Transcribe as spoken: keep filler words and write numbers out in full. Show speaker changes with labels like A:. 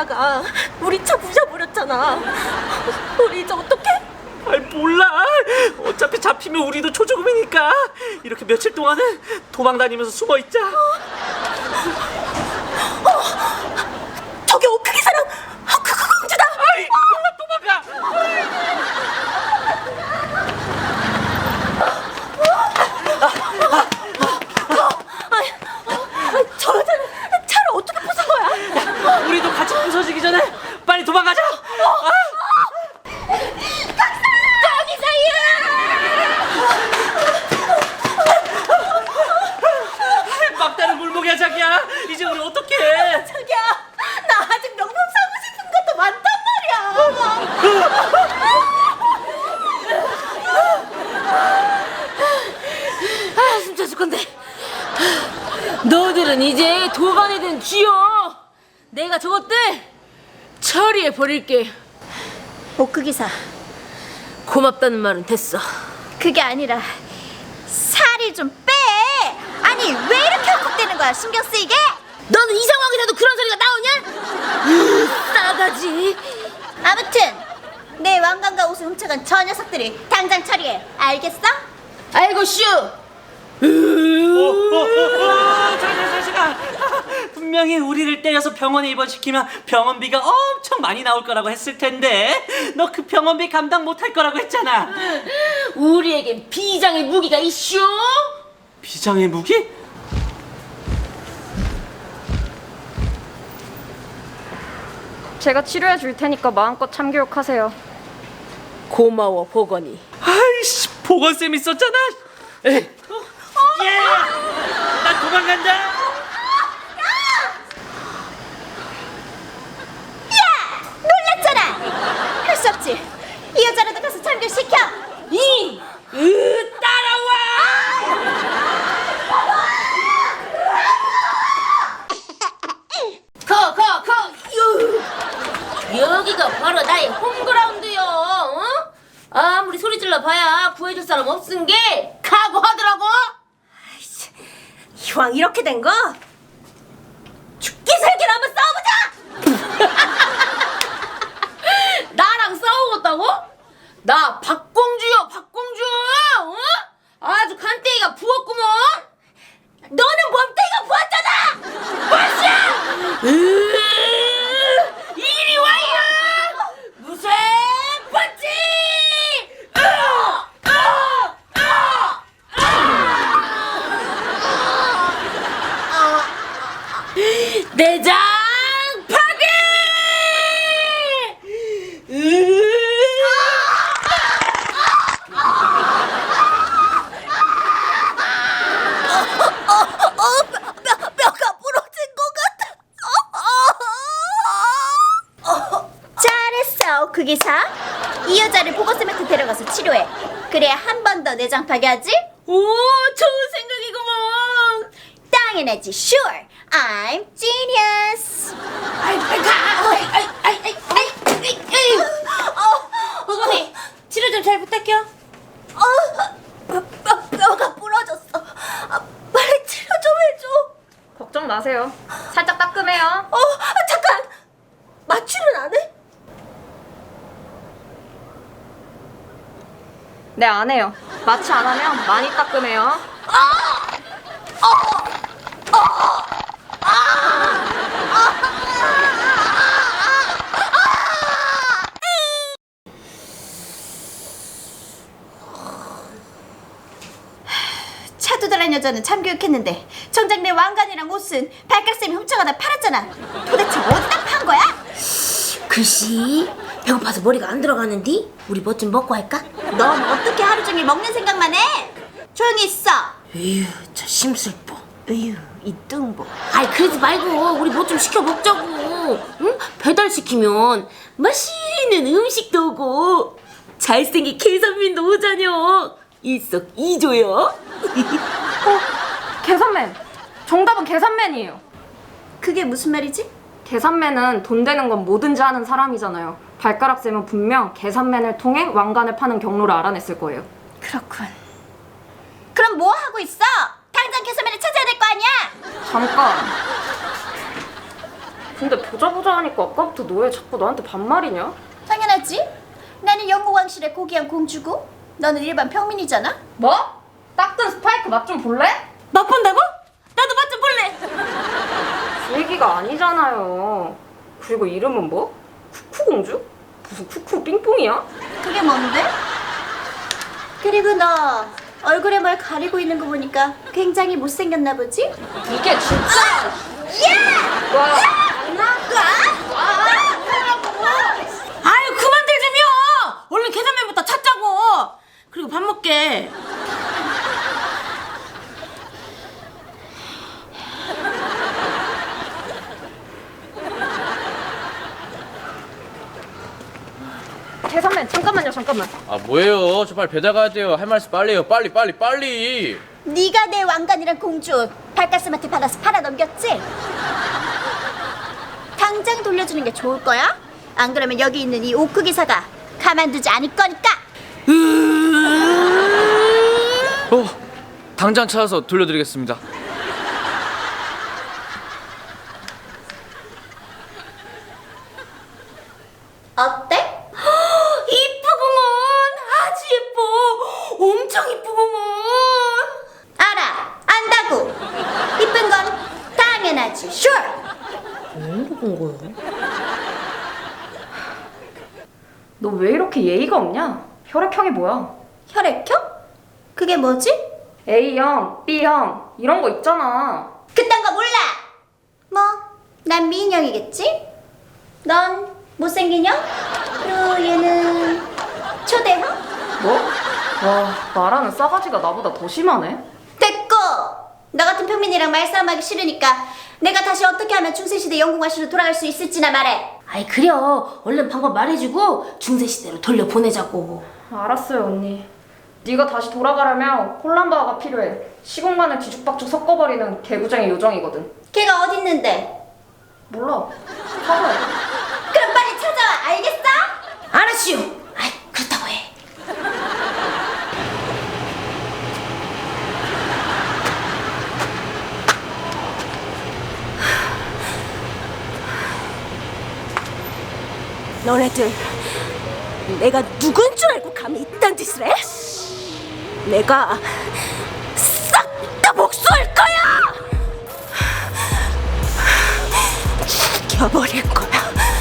A: 기사가 우리 차 부셔버렸잖아. 우리 이제 어떡해?
B: 아이 몰라. 어차피 잡히면 우리도 초조금이니까 이렇게 며칠 동안은 도망 다니면서 숨어 있자.
A: 어, 저기 오크 기사랑 그, 그 공주다.
B: 아이 도망가.
A: 아이, 아, 저 여자는 차를 어떻게 부순 거야?
B: 우리도 같이 부서지기 전에 빨리 도망가자. 아. 막다른 골목이야 자기야. 이제 우리 어떡해.
A: 자기야, 나 아직 명품 사고 싶은 것도 많단 말이야.
C: 아, 숨차 죽 건데. 너들은 이제 도관이 된 쥐여. 내가 저것들 처리해 버릴게.
A: 오크 기사,
C: 고맙다는 말은 됐어.
A: 그게 아니라 살이 좀 빼. 아니 왜 이렇게 헉헉대는 거야? 신경 쓰이게?
C: 너는 이 상황에서도 그런 소리가 나오냐? 으, 싸가지.
A: 아무튼 내 왕관과 옷을 훔쳐간 저 녀석들을 당장 처리해. 알겠어?
C: 아이고 슈.
B: 자기야 자식아. 분명히 우리를 때려서 병원에 입원시키면 병원비가 엄청 많이 나올 거라고 했을 텐데 너 그 병원비 감당 못할 거라고 했잖아.
C: 우리에겐 비장의 무기가 이슈.
B: 비장의 무기?
D: 제가 치료해 줄 테니까 마음껏 참교육하세요.
C: 고마워 보건이.
B: 아이씨 보건쌤 있었잖아. 에이. 예! 나 도망간다.
A: 놀랐잖아. 할 수 없지. 이 여자라도 가서 참교시켜.
C: 이, 으, 따라와. 커, 커, 커. 유. 여기가 바로 나의 홈그라운드요. 어? 아무리 소리 질러 봐야 구해줄 사람 없은 게 각오하더라고.
A: 이왕 이렇게 된 거 죽기 살기로 한번 싸워보자.
C: 나랑 싸우겠다고? 나 박공주요, 박공주. 어? 아주 간땡이가 부었구먼.
A: 너는 몸뚱이가 부었잖아.
C: 으, 이리 와요. 무쇠 펀치. 으, 으, 으, 으. 내장 파괴. 으.
A: 어, 뼈, 뼈, 뼈가 부러진 것 같아. 어, 어, 어. 잘했어, 그 기사. 이 여자를 보건쌤한테 데려가서 치료해. 그래야 한 번 더 내장 파괴하지?
C: 오, 좋은 생각이구먼.
A: 당연하지, sure. I'm genius.
C: 아이, 아이, 가. 아이, 아이, 아이, 아이, 아이, 아이, 아이.
A: 어,
C: 보건이 치료 좀 잘 부탁해요.
A: 어, 뼈, 뼈, 뼈가 부러졌어. 아, 빨리 치료 좀 해줘.
D: 걱정 마세요. 살짝 따끔해요.
A: 어, 아, 잠깐. 마취는 안 해?
D: 네, 안 해요. 마취 안 하면 많이 따끔해요.
A: 차두달란 여자는 참교육했는데 정작 내 왕관이랑 옷은 발각쌤이 훔쳐가다 팔았잖아. 도대체 어디다 판 거야?
C: 글씨, 배고파서 머리가 안 들어가는디? 우리 뭐 좀 먹고 할까?
A: 넌 어떻게 하루 종일 먹는 생각만 해? 조용히 있어.
C: 에휴, 저 심술보.
A: 으유, 이 뚱보.
C: 아이, 그러지 말고 우리 뭐 좀 시켜 먹자고. 응? 배달시키면 맛있는 음식도 오고 잘생긴 계산민도 오자녀. 일석이조요.
D: 어? 계산맨! 정답은 계산맨이에요.
A: 그게 무슨 말이지?
D: 계산맨은 돈 되는 건 뭐든지 하는 사람이잖아요. 발가락쌤은 분명 계산맨을 통해 왕관을 파는 경로를 알아냈을 거예요.
A: 그렇군. 그럼 뭐 하고 있어? 당장 계산맨을 찾아야 될 거 아니야?
D: 잠깐. 근데 보자 보자 하니까 아까부터 너 왜 자꾸 나한테 반말이냐?
A: 당연하지. 나는 영국왕실의 고귀한 공주고 너는 일반 평민이잖아.
D: 뭐? 딱든 스파이크 맛 좀 볼래?
C: 맛본다고? 나도 맛 좀 볼래.
D: 그 얘기가 아니잖아요. 그리고 이름은 뭐? 쿠쿠공주? 무슨 쿠쿠 삥뽕이야?
A: 그게 뭔데? 그리고 너 얼굴에 뭘 가리고 있는 거 보니까 굉장히 못생겼나 보지?
D: 이게 진짜.
A: 야!
D: 와, 장난?
C: 아유 그만 들지며. 얼른 계산면부터 찾자고. 그리고 밥 먹게.
D: 계산맨 잠깐만요, 잠깐만.
E: 아 뭐예요? 저 빨리 배달 가야 돼요. 할 말씀 빨리 해요. 빨리 빨리 빨리.
A: 네가 내 왕관이란 공주 발가스마트 받아서 팔아 넘겼지? 당장 돌려주는 게 좋을 거야? 안 그러면 여기 있는 이 오크 기사가 가만두지 않을 거니까.
E: 어, 당장 찾아서 돌려드리겠습니다.
A: 어때?
C: 이쁘구먼. 아주 예뻐. 엄청 이쁘구먼.
A: 알아, 안다고. 이쁜 건 당연하지. Sure.
D: 너 왜 이렇게 예의가 없냐? 혈액형이 뭐야?
A: 혈액형? 그게 뭐지?
D: A형, B형 이런 거 있잖아.
A: 그딴 거 몰라. 뭐, 난 미인형이겠지? 넌 못생긴 형? 그리고 얘는 초대형?
D: 뭐? 와, 말하는 싸가지가 나보다 더 심하네.
A: 됐고! 너 같은 평민이랑 말싸움하기 싫으니까 내가 다시 어떻게 하면 중세시대 영국왕실로 돌아갈 수 있을지나 말해.
C: 아이 그래요. 얼른 방법 말해주고 중세시대로 돌려보내자고.
D: 알았어요, 언니. 네가 다시 돌아가려면 콜란바가 필요해. 시공간을 뒤죽박죽 섞어버리는 개구쟁이 요정이거든.
A: 걔가 어딨는데?
D: 몰라. 찾아야 돼.
A: 그럼 빨리 찾아와, 알겠어?
C: 알았슈. 아이 그렇다고 해.
F: 너네들 내가 누군 줄 알고 감히 이딴 짓을 해? 내가 싹 다 복수할 거야! 죽여버릴 거야.